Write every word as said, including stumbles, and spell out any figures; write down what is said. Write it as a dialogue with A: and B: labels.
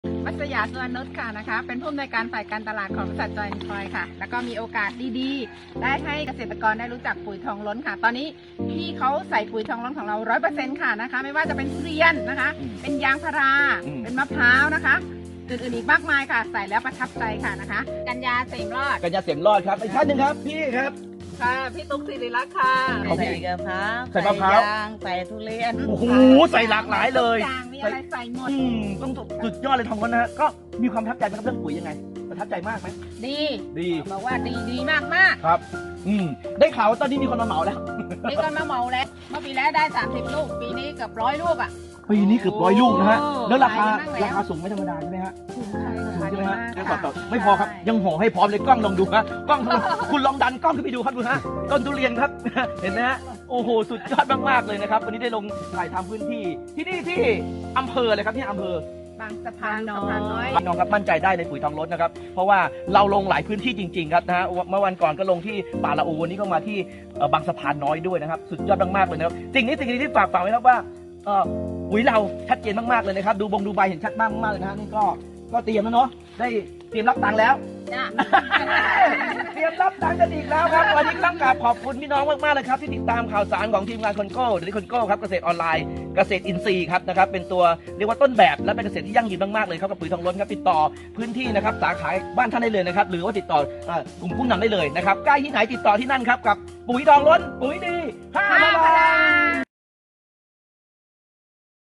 A: มัสยาสุวรรณนุชค่ะนะคะเป็นผู้อำนวยการฝ่ายการตลาดของบริษัทจอยน์คอยค่ะแล้วก็มีโอกาสดีๆได้ให้เกษตรกรได้รู้จักปุ๋ยทองล้นค่ะตอนนี้พี่เขาใส่ปุ๋ยทองล้นของเราร้อยเปอร์เซ็นต์ค่ะนะคะไม่ว่าจะเป็นทุเรียนนะคะเป็นยางพาราเป็นมะพร้าวนะคะอื่นๆอีกมากมายค่ะใส่แล้วประทับใจค่ะนะคะกัญญาเสมรอด
B: กัญญาเสียมรอดครับอีกท่านหนึ่งครับพี่ครับ
A: ค่ะพี่ตุ๊กสิริรักษ์ค่ะ
B: ของพี่
C: ใส่กระเพรา
B: ใส่มะพร้าว
C: ยางใส่ทุเรียน
B: โอ้โหใส่หลากหลายเลย
A: ทุกอย่างมีอะไรใส่หมด
B: อืมต้องสุดยอดเลยทองล้นนะฮะก็มีความประทับใจไหมครับเรื่องปุ๋ยยังไงประทับใจมากไหม
A: ดี
B: ดี
A: บอกว่าดีดีมากมาก
B: ครับอืมได้ข่าวว่าตอนนี้มีคนมาเหมาแล้ว
A: ๆมีคนมาเหมาแล้วเมื่อปีแล้วได้สามสิบลูกปีนี้เกือบร้อยลูกอ่ะ
B: ปีนี้เกือบร้อยลูกนะฮะ
A: โอ้
B: แล้วราคา
A: ขายไปบ้างแล้ว
B: ราคาสูงไม่ธรรมดาใช่ไหมฮะ
A: ถูกใช่
B: สูง
A: ค่ะ
B: ใช่ไหมฮะ
A: ดี
B: เดี๋ยว
A: มาก
B: ต่อ
A: ค่ะ
B: ไม่พอครับยังห่อให้พร้อมเลยกล้องลองดูฮะกล้องกล้องลองดันกล้องขึ้นไปดูครับดูฮะต้นทุเรียนครับ เห็นไหมฮะโอ้โหสุดยอดมากๆเลยนะครับวันนี้ได้ลงถ่ายทำพื้นที่ที่นี่ที่อำเภอเลยครับที่อำเภอบ
A: างสะพานน้อย
B: พี่น้องครับมั่นใจได้ในปุ๋ยทองล้นนะครับเพราะว่าเราลงหลายพื้นที่จริงๆครับนะฮะเมื่อวันก่อนก็ลงที่ป่าละอูวันนี้ก็มาที่เอ่อบางสะพานน้อยด้วยนะครับสุดยอดมากๆเลยนะครับสิ่งนี้สิ่งนี้ที่ฝากฝากไว้ครับว่าเอ่อปุ๋ยเราชัดเจนมากๆเลยนะครับดูบงดูใบเห็นชัดมากมากๆเลยนะฮะนี่ก็ก็เตรียมแล้วเนาะได้เตรียมรับตังค์แล้ว
A: จ้ะ
B: เตรียมรับตังค์กันอีกแล้วครับวันนี้ต้องกราบขอบคุณพี่น้องมากๆเลยครับที่ติดตามข่าวสารของทีมงานคนโก้หรือคนโก้ครับเกษตรออนไลน์เกษตรอินทรีย์ครับนะครับเป็นตัวเรียกว่าต้นแบบและเป็นเกษตรที่ยั่งยืนมากๆเลยครับกับปุ๋ยทองล้นครับติดต่อพื้นที่นะครับสาขาบ้านท่านได้เลยนะครับหรือว่าติดต่อเอ่อกลุ่มผู้นำได้เลยนะครับใกล้ที่ไหนติดต่อที่นั่นครับกับปุ๋ยทองล้นปุ๋ยดีห้าพลัง